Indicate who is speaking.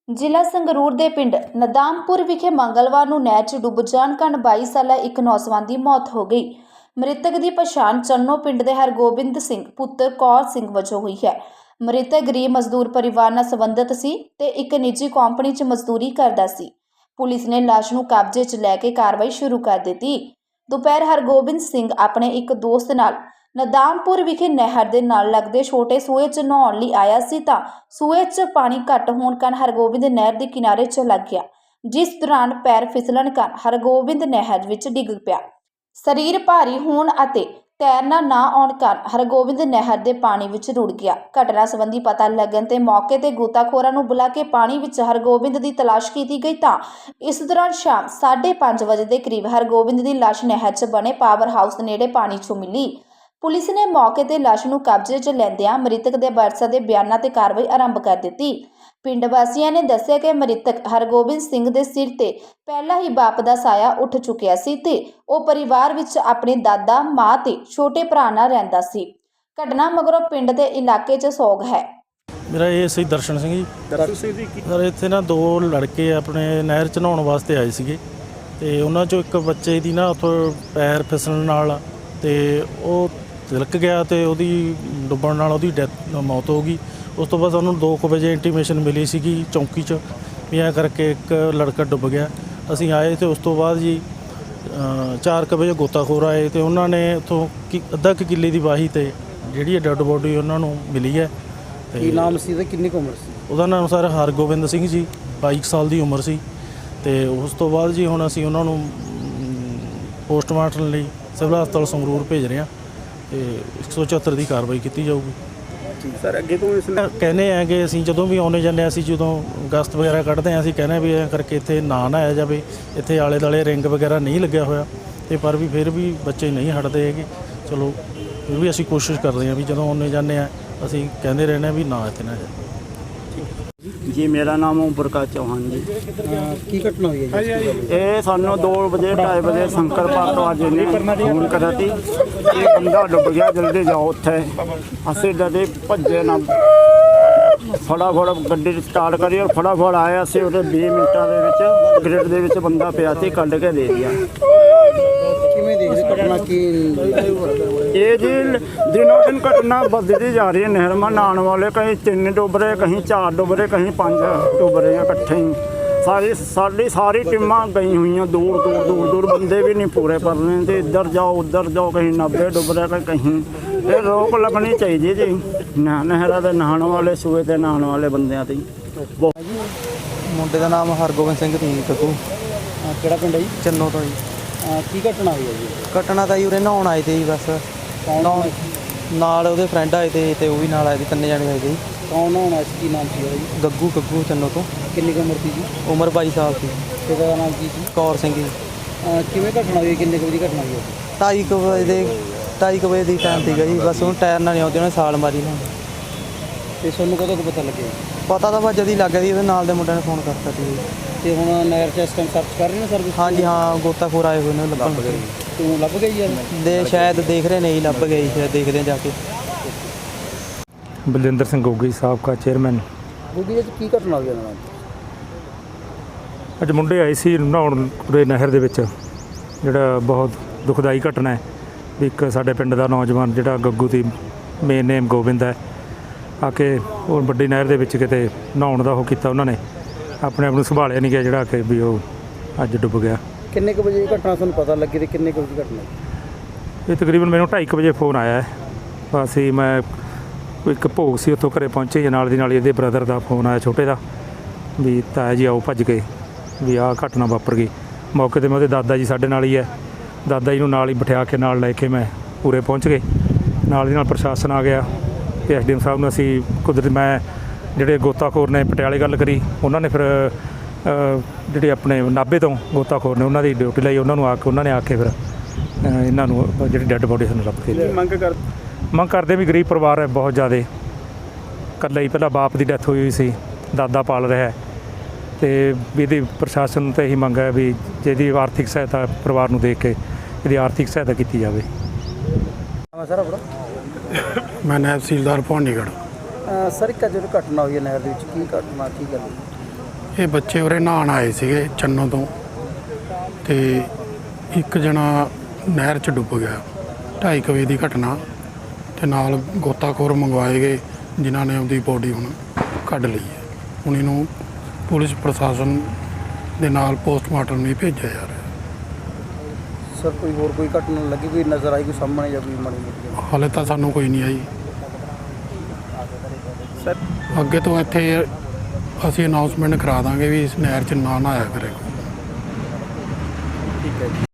Speaker 1: ਜ਼ਿਲ੍ਹਾ ਸੰਗਰੂਰ ਦੇ ਪਿੰਡ ਨਦਾਮਪੁਰ ਵਿਖੇ ਮੰਗਲਵਾਰ ਨੂੰ ਨਹਿਰ 'ਚ ਡੁੱਬ ਜਾਣ ਕਾਰਨ 22 ਸਾਲਾ ਇੱਕ ਨੌਜਵਾਨ ਦੀ ਮੌਤ ਹੋ ਗਈ। ਮ੍ਰਿਤਕ ਦੀ ਪਛਾਣ ਚੰਨੋ ਪਿੰਡ ਦੇ ਹਰਗੋਬਿੰਦ ਸਿੰਘ ਪੁੱਤਰ ਕੌਰ ਸਿੰਘ ਵਜੋਂ ਹੋਈ ਹੈ। ਮ੍ਰਿਤਕ ਗਰੀਬ ਮਜ਼ਦੂਰ ਪਰਿਵਾਰ ਨਾਲ ਸੰਬੰਧਿਤ ਸੀ ਤੇ ਇੱਕ ਨਿੱਜੀ ਕੰਪਨੀ 'ਚ ਮਜ਼ਦੂਰੀ ਕਰਦਾ ਸੀ। ਪੁਲਿਸ ਨੇ ਲਾਸ਼ ਨੂੰ ਕਬਜ਼ੇ 'ਚ ਲੈ ਕੇ ਕਾਰਵਾਈ ਸ਼ੁਰੂ ਕਰ ਦਿੱਤੀ। ਦੁਪਹਿਰ ਹਰਗੋਬਿੰਦ ਸਿੰਘ ਆਪਣੇ ਇੱਕ ਦੋਸਤ ਨਾਲ ਨਦਾਮਪੁਰ ਵਿਖੇ ਨਹਿਰ ਦੇ ਨਾਲ ਲੱਗਦੇ ਛੋਟੇ ਸੂਏ 'ਚ ਨਹਾਉਣ ਲਈ ਆਇਆ ਸੀ ਤਾਂ ਸੂਏ 'ਚ ਪਾਣੀ ਘੱਟ ਹੋਣ ਕਾਰਨ ਹਰਗੋਬਿੰਦ ਨਹਿਰ ਦੇ ਕਿਨਾਰੇ ਚਲਾ ਗਿਆ, ਜਿਸ ਦੌਰਾਨ ਪੈਰ ਫਿਸਲਣ ਕਾਰਨ ਹਰਗੋਬਿੰਦ ਨਹਿਰ ਵਿੱਚ ਡਿੱਗ ਪਿਆ। ਸਰੀਰ ਭਾਰੀ ਹੋਣ ਅਤੇ ਤੈਰਨਾ ਨਾ ਆਉਣ ਕਾਰਨ ਹਰਗੋਬਿੰਦ ਨਹਿਰ ਦੇ ਪਾਣੀ ਵਿੱਚ ਰੁੜ ਗਿਆ। ਘਟਨਾ ਸੰਬੰਧੀ ਪਤਾ ਲੱਗਣ ਤੇ ਮੌਕੇ ਤੇ ਗੋਤਾਖੋਰਾਂ ਨੂੰ ਬੁਲਾ ਕੇ ਪਾਣੀ ਵਿੱਚ ਹਰਗੋਬਿੰਦ ਦੀ ਤਲਾਸ਼ ਕੀਤੀ ਗਈ ਤਾਂ ਇਸ ਦੌਰਾਨ ਸ਼ਾਮ 5:30 ਵਜੇ ਦੇ ਕਰੀਬ ਹਰਗੋਬਿੰਦ ਦੀ ਲਾਸ਼ ਨਹਿਰ 'ਚ ਬਣੇ ਪਾਵਰ ਹਾਊਸ ਨੇੜੇ ਪਾਣੀ 'ਚੋਂ ਮਿਲੀ। ਪੁਲਿਸ ਨੇ ਮੌਕੇ ਤੇ ਲਾਸ਼ ਨੂੰ ਕਬਜ਼ੇ 'ਚ ਲੈਂਦਿਆਂ ਮ੍ਰਿਤਕ ਦੇ ਵਾਰਸਾਂ ਦੇ ਬਿਆਨਾਂ ਤੇ ਕਾਰਵਾਈ ਆਰੰਭ ਕਰ ਦਿੱਤੀ। ਪਿੰਡ ਵਾਸੀਆਂ ਨੇ ਦੱਸਿਆ ਕਿ ਮ੍ਰਿਤਕ ਹਰਗੋਬਿੰਦ ਸਿੰਘ ਦੇ ਸਿਰ ਤੇ ਪਹਿਲਾਂ ਹੀ ਬਾਪ ਦਾ ਸਾਇਆ ਉੱਠ ਚੁੱਕਿਆ ਸੀ ਤੇ ਉਹ ਪਰਿਵਾਰ ਵਿੱਚ ਆਪਣੇ ਦਾਦਾ, ਮਾਂ ਤੇ ਛੋਟੇ ਭਰਾ ਨਾਲ ਰਹਿੰਦਾ ਸੀ। ਘਟਨਾ ਮਗਰੋਂ ਪਿੰਡ ਦੇ ਇਲਾਕੇ 'ਚ ਸੋਗ ਹੈ।
Speaker 2: ਮੇਰਾ ਇਹ ਸੀ ਦਰਸ਼ਨ ਸਿੰਘ ਜੀ। ਸਰ ਇੱਥੇ ਨਾ ਦੋ ਲੜਕੇ ਆਪਣੇ ਨਹਿਰ 'ਚ ਨਹਾਉਣ ਵਾਸਤੇ ਆਏ ਸੀਗੇ ਤੇ ਉਹਨਾਂ 'ਚੋਂ ਇੱਕ ਬੱਚੇ ਦੀ ਨਾ ਉੱਥੋਂ ਪੈਰ ਫਿਸਲਣ ਨਾਲ ਤੇ ਉਹ ਤਿਲਕ ਗਿਆ ਤੇ ਉਹਦੀ ਡੁੱਬਣ ਨਾਲ ਉਹਦੀ ਮੌਤ ਹੋ ਗਈ। ਉਸ ਤੋਂ ਬਾਅਦ ਉਹਨੂੰ 2 ਵਜੇ ਇੰਟੀਮੇਸ਼ਨ ਮਿਲੀ ਸੀਗੀ ਚੌਂਕੀ 'ਚ ਵੀ ਐਂ ਕਰਕੇ ਇੱਕ ਲੜਕਾ ਡੁੱਬ ਗਿਆ। ਅਸੀਂ ਆਏ ਤੇ ਉਸ ਤੋਂ ਬਾਅਦ ਜੀ 4 ਵਜੇ ਗੋਤਾਖੋਰ ਆਏ ਤੇ ਉਹਨਾਂ ਨੇ ਉੱਥੋਂ ਅੱਧਾ ਕੁ ਕਿੱਲੇ ਦੀ ਵਾਹੀ ਤੇ ਜਿਹੜੀ ਡੈੱਡ ਬੋਡੀ ਉਹਨਾਂ ਨੂੰ ਮਿਲੀ ਹੈ।
Speaker 3: ਕੀ ਨਾਮ ਸੀ ਤੇ ਕਿੰਨੀ ਉਮਰ ਸੀ?
Speaker 2: ਉਹਦਾ ਨਾਮ ਸਰ ਹਰਗੋਬਿੰਦ ਸਿੰਘ ਜੀ, 22 ਸਾਲ ਦੀ ਉਮਰ ਸੀ। ਤੇ ਉਸ ਤੋਂ ਬਾਅਦ ਜੀ ਹੁਣ ਅਸੀਂ ਉਹਨਾਂ ਨੂੰ ਪੋਸਟਮਾਰਟਮ ਲਈ ਸਿਵਲ ਹਸਪਤਾਲ ਸੰਗਰੂਰ ਭੇਜ ਰਹੇ ਹਾਂ ਤੇ 174 ਦੀ ਕਾਰਵਾਈ ਕੀਤੀ ਜਾਊਗੀ।
Speaker 3: ਸਰ ਅੱਗੇ ਤੋਂ ਇਸ
Speaker 2: ਕਹਿੰਦੇ ਆ ਕਿ ਅਸੀਂ ਜਦੋਂ ਵੀ ਆਉਣੇ ਜਾਂਦੇ ਅਸੀਂ ਜਦੋਂ ਗਸਤ ਵਗੈਰਾ ਕੱਢਦੇ ਹਾਂ ਅਸੀਂ ਕਹਿੰਦੇ ਵੀ ਐਂ ਕਰਕੇ ਇੱਥੇ ਨਾ ਆਇਆ ਜਾਵੇ, ਇੱਥੇ ਆਲੇ ਦੁਆਲੇ ਰਿੰਗ ਵਗੈਰਾ ਨਹੀਂ ਲੱਗਿਆ ਹੋਇਆ ਤੇ ਪਰ ਵੀ ਫਿਰ ਵੀ ਬੱਚੇ ਨਹੀਂ ਹਟਦੇ ਹੈਗੇ। ਚਲੋ ਫਿਰ ਵੀ ਅਸੀਂ ਕੋਸ਼ਿਸ਼ ਕਰਦੇ ਹਾਂ ਵੀ ਜਦੋਂ ਆਉਣੇ ਜਾਂਦੇ ਹਾਂ ਅਸੀਂ ਕਹਿੰਦੇ ਰਹਿੰਦੇ ਹਾਂ ਵੀ ਨਾ ਇੱਥੇ ਨਾ ਜਾਵੇ।
Speaker 3: ਜੀ ਮੇਰਾ ਨਾਮ ਓਮ ਪ੍ਰਕਾਸ਼ ਚੌਹਾਨ ਜੀ। ਕੀ ਘਟਨਾ ਹੋਈ ਹੈ ਜੀ? ਇਹ ਸਾਨੂੰ 2 ਵਜੇ 2:30 ਵਜੇ ਸ਼ੰਕਰ ਭਾਰਤਵਾਜ ਨੇ ਫੋਨ ਕਰਿਆ ਸੀ ਇਹ ਬੰਦਾ ਡੁੱਬ ਗਿਆ, ਜਲਦੀ ਜਾਓ ਉੱਥੇ। ਅਸੀਂ ਡਰੇ ਭੱਜੇ ਨਾ, ਫਟਾਫਟ ਗੱਡੀ ਸਟਾਰਟ ਕਰੀ ਔਰ ਫਟਾਫਟ ਆਏ। ਅਸੀਂ ਉਹਦੇ 20 ਮਿੰਟਾਂ ਦੇ ਵਿੱਚ ਗ੍ਰਿਡ ਦੇ ਵਿੱਚ ਬੰਦਾ ਪਿਆ ਸੀ, ਕੱਢ ਕੇ ਦੇ ਦਿਆ। ਕਿਵੇਂ ਦੇਖਦੇ ਘਟਨਾ ਕੀ ਇਹ ਜੀ ਦਿਨੋਂ ਦਿਨ ਘਟਨਾ ਵੱਧਦੀ ਜਾ ਰਹੀ ਹੈ। ਨਹਿਰ ਮਾ ਨਹਾਉਣ ਵਾਲੇ ਕहीं 3 ਡੁੱਬ ਰਹੇ, ਕहीं 4 ਡੁੱਬ ਰਹੇ, ਕहीं 5 ਡੁੱਬ ਰਹੇ ਆ ਇਕੱਠੇ ਹੀ। ਸਾਰੀ ਟੀਮਾਂ ਗਈ ਹੋਈਆਂ, ਦੂਰ ਬੰਦੇ ਵੀ ਨਹੀਂ ਪੂਰੇ ਪਰ ਰਹੇ ਤੇ ਇੱਧਰ ਜਾਓ ਉੱਧਰ ਜਾਓ, ਕहीं 90 ਡੁੱਬ ਰਹੇ ਕहीं। ਇਹ ਰੋਕ ਲੱਗਣੀ ਚਾਹੀਦੀ ਜੀ ਨਹਿਰਾਂ ਦੇ ਨਹਾਉਣ ਵਾਲੇ, ਸੂਏ 'ਤੇ ਨਹਾਉਣ ਵਾਲੇ ਬੰਦਿਆਂ 'ਤੇ।
Speaker 4: ਮੁੰਡੇ ਦਾ ਨਾਮ ਹਰਗੋਬਿੰਦ ਸਿੰਘ ਸੀ ਕੱਕੂ।
Speaker 3: ਕਿਹੜਾ ਪਿੰਡ ਹੈ ਜੀ?
Speaker 4: ਚੰਨੋ ਤੋਂ ਜੀ।
Speaker 3: ਕੀ ਘਟਨਾ ਹੋਈ ਹੈ ਜੀ?
Speaker 4: ਘਟਨਾ ਤਾਂ ਜੀ ਉਰੇ ਨਹਾਉਣ ਆਏ ਤੇ ਜੀ, ਬਸ ਨਾਲ ਉਹਦੇ ਫਰੈਂਡ ਆਏ ਤੇ ਉਹ ਵੀ ਨਾਲ ਆਏ ਤੇ, 3 ਜਣੇ ਆਏ ਤੇ ਜੀ।
Speaker 3: ਕੌਣ ਨਹਾਉਣਾ ਸੀ? ਕੀ ਨਾਮ ਸੀ ਉਹਦਾ ਜੀ?
Speaker 4: ਗੱਗੂ ਚੰਨੋ ਤੋਂ।
Speaker 3: ਕਿੰਨੀ ਕੁ ਉਮਰ ਸੀ ਜੀ?
Speaker 4: ਉਮਰ 22 ਸਾਲ ਸੀ।
Speaker 3: ਪਿਤਾ ਦਾ ਨਾਮ ਕੀ ਸੀ?
Speaker 4: ਕੌਰ ਸਿੰਘ ਜੀ।
Speaker 3: ਕਿਵੇਂ ਘਟਨਾ ਹੋਈ? ਕਿੰਨੇ ਕੁ ਵਜੇ ਦੀ ਘਟਨਾ ਹੋਈ?
Speaker 4: 2:30 ਵਜੇ ਦੀ ਟਾਈਮ ਸੀਗਾ ਜੀ। ਬਸ ਉਹਨੂੰ ਟਾਇਰ ਨਾਲ ਨਹੀਂ ਆਉਂਦੀ, ਉਹਨੇ ਛਾਲ ਮਾਰੀ ਨਾ।
Speaker 3: ਤੇ ਤੁਹਾਨੂੰ ਕਦੋਂ ਕੁ ਪਤਾ ਲੱਗਿਆ?
Speaker 4: ਪਤਾ ਤਾਂ ਬਸ ਜਦ ਹੀ ਲੱਗ ਗਿਆ ਸੀ, ਉਹਦੇ ਨਾਲ ਦੇ ਮੁੰਡਿਆਂ ਨੇ ਫੋਨ ਕਰਤਾ ਸੀ।
Speaker 3: ਤੇ ਹੁਣ ਨਹਿਰ 'ਚ ਇਸ ਟਾਈਮ ਸਰਚ ਕਰ ਰਹੇ ਨੇ ਸਰਵਿਸ?
Speaker 4: ਹਾਂਜੀ ਹਾਂ, ਗੋਤਾਖੋਰ ਆਏ ਹੋਏ ਨੇ ਲੱਭਣ।
Speaker 3: ਤੂੰ ਲੱਭ ਗਈ ਯਾਰ?
Speaker 4: ਸ਼ਾਇਦ ਦੇਖ ਰਹੇ ਨਹੀਂ, ਲੱਭ ਗਏ ਜੀ, ਸ਼ਾਇਦ ਦੇਖਦੇ ਜਾ ਕੇ।
Speaker 5: ਬਲਜਿੰਦਰ ਸਿੰਘ ਗੋਗੀ ਸਾਬਕਾ ਚੇਅਰਮੈਨ।
Speaker 3: ਗੋਗੀ ਜੀ ਕੀ ਘਟਨਾ ਹੋਈ ਇਹਨਾਂ ਨਾਲ?
Speaker 5: ਅੱਜ ਮੁੰਡੇ ਆਏ ਸੀ ਨਹਾਉਣ ਪੂਰੇ ਨਹਿਰ ਦੇ ਵਿੱਚ, ਜਿਹੜਾ ਬਹੁਤ ਦੁਖਦਾਈ ਘਟਨਾ ਹੈ। ਇੱਕ ਸਾਡੇ ਪਿੰਡ ਦਾ ਨੌਜਵਾਨ ਜਿਹੜਾ ਗੱਗੂ ਦੀ ਮੇਨ ਨੇਮ ਗੋਬਿੰਦ ਹੈ, ਆ ਕੇ ਉਹ ਵੱਡੀ ਨਹਿਰ ਦੇ ਵਿੱਚ ਕਿਤੇ ਨਹਾਉਣ ਦਾ ਉਹ ਕੀਤਾ, ਉਹਨਾਂ ਨੇ ਆਪਣੇ ਆਪ ਨੂੰ ਸੰਭਾਲਿਆ ਨਹੀਂ ਗਿਆ, ਜਿਹੜਾ ਕਿ ਵੀ ਉਹ ਅੱਜ ਡੁੱਬ ਗਿਆ।
Speaker 3: ਕਿੰਨੇ ਕੁ ਵਜੇ ਘਟਨਾ ਤੁਹਾਨੂੰ ਪਤਾ ਲੱਗੀ ਤੇ ਕਿੰਨੇ ਕੁ ਵਜੇ ਘਟਨਾ?
Speaker 5: ਇਹ ਤਕਰੀਬਨ ਮੈਨੂੰ 2:30 ਵਜੇ ਫੋਨ ਆਇਆ ਹੈ। ਅਸੀਂ ਮੈਂ ਇੱਕ ਭੋਗ ਸੀ ਉੱਥੋਂ ਘਰੇ ਪਹੁੰਚੇ ਜਾਂ ਨਾਲ ਦੀ ਨਾਲ ਇਹਦੇ ਬ੍ਰਦਰ ਦਾ ਫੋਨ ਆਇਆ ਛੋਟੇ ਦਾ ਵੀ ਤਾਇਆ ਜੀ ਆਓ ਭੱਜ ਕੇ ਵੀ ਆਹ ਘਟਨਾ ਵਾਪਰ ਗਈ। ਮੌਕੇ 'ਤੇ ਮੈਂ ਉਹਦੇ ਦਾਦਾ ਜੀ ਸਾਡੇ ਨਾਲ ਹੀ ਹੈ, ਦਾਦਾ ਜੀ ਨੂੰ ਨਾਲ ਹੀ ਬਿਠਾ ਕੇ ਨਾਲ ਲੈ ਕੇ ਮੈਂ ਪੂਰੇ ਪਹੁੰਚ ਗਏ। ਨਾਲ ਦੀ ਨਾਲ ਪ੍ਰਸ਼ਾਸਨ ਆ ਗਿਆ ਤੇ ਐਸਡੀਐਮ ਸਾਹਿਬ ਨੂੰ ਅਸੀਂ ਕੁਦਰਤ ਮੈਂ ਜਿਹੜੇ ਗੋਤਾਖੋਰ ਨੇ ਪਟਿਆਲੇ ਗੱਲ ਕਰੀ, ਉਹਨਾਂ ਨੇ ਫਿਰ ਜਿਹੜੇ ਆਪਣੇ ਨਾਭੇ ਤੋਂ ਗੋਤਾਖੋਰ ਨੇ ਉਹਨਾਂ ਦੀ ਡਿਊਟੀ ਲਈ, ਉਹਨਾਂ ਨੇ ਆ ਕੇ ਫਿਰ ਇਹਨਾਂ ਨੂੰ ਜਿਹੜੀ ਡੈੱਡ ਬੋਡੀ ਸਾਨੂੰ ਲੱਭ ਕੇ ਮੰਗ ਕਰਦੇ ਵੀ ਗਰੀਬ ਪਰਿਵਾਰ ਹੈ ਬਹੁਤ ਜ਼ਿਆਦਾ। ਇਕੱਲਾ ਹੀ ਪਹਿਲਾਂ ਬਾਪ ਦੀ ਡੈਥ ਹੋਈ ਸੀ, ਦਾਦਾ ਪਾਲ ਰਿਹਾ ਤੇ ਵੀ ਇਹਦੀ ਪ੍ਰਸ਼ਾਸਨ ਤੋਂ ਇਹੀ ਮੰਗ ਹੈ ਵੀ ਜਿਹਦੀ ਆਰਥਿਕ ਸਹਾਇਤਾ ਪਰਿਵਾਰ ਨੂੰ ਦੇਖ ਕੇ ਇਹਦੀ ਆਰਥਿਕ ਸਹਾਇਤਾ ਕੀਤੀ ਜਾਵੇ।
Speaker 3: ਸਰ ਆਪਣਾ?
Speaker 6: ਮੈਂ ਨਾਇਬ ਤਹਿਸੀਲਦਾਰ ਭਵਾਨੀਗੜ੍ਹ।
Speaker 3: ਸਰ ਇੱਕ ਜਦੋਂ ਘਟਨਾ ਹੋਈ ਹੈ ਨਹਿਰ ਦੇ ਵਿੱਚ, ਕੀ ਘਟਨਾ ਕੀ ਗੱਲ?
Speaker 6: ਇਹ ਬੱਚੇ ਉਰੇ ਨਹਾਉਣ ਆਏ ਸੀਗੇ ਚੰਨੋ ਤੋਂ ਤੇ ਇੱਕ ਜਣਾ ਨਹਿਰ 'ਚ ਡੁੱਬ ਗਿਆ। 2:30 ਵਜੇ ਦੀ ਘਟਨਾ ਤੇ ਨਾਲ ਗੋਤਾਖੋਰ ਮੰਗਵਾਏ ਗਏ ਜਿਨ੍ਹਾਂ ਨੇ ਉਹਦੀ ਬੋਡੀ ਹੁਣ ਕੱਢ ਲਈ ਹੈ। ਹੁਣ ਇਹਨੂੰ ਪੁਲਿਸ ਪ੍ਰਸ਼ਾਸਨ ਦੇ ਨਾਲ ਪੋਸਟਮਾਰਟਮ ਲਈ ਭੇਜਿਆ ਜਾ ਰਿਹਾ।
Speaker 7: ਸਰ ਕੋਈ ਹੋਰ ਕੋਈ ਘਟਨਾ ਲੱਗੀ, ਕੋਈ ਨਜ਼ਰ ਆਈ, ਕੋਈ ਸਾਹਮਣੇ ਜਾਂ ਕੋਈ ਮਾੜੀ ਮੋਟੀ?
Speaker 6: ਹਾਲੇ ਤਾਂ ਸਾਨੂੰ ਕੋਈ ਨਹੀਂ ਆਈ
Speaker 7: ਸਰ
Speaker 6: ਅੱਗੇ ਤੋਂ ਇੱਥੇ ਅਸੀਂ ਅਨਾਉਂਸਮੈਂਟ ਕਰਾ ਦਾਂਗੇ ਵੀ ਇਸ ਨਹਿਰ 'ਚ ਨਾ ਨਹਾਇਆ ਕਰੇ।
Speaker 7: ਠੀਕ ਹੈ ਜੀ।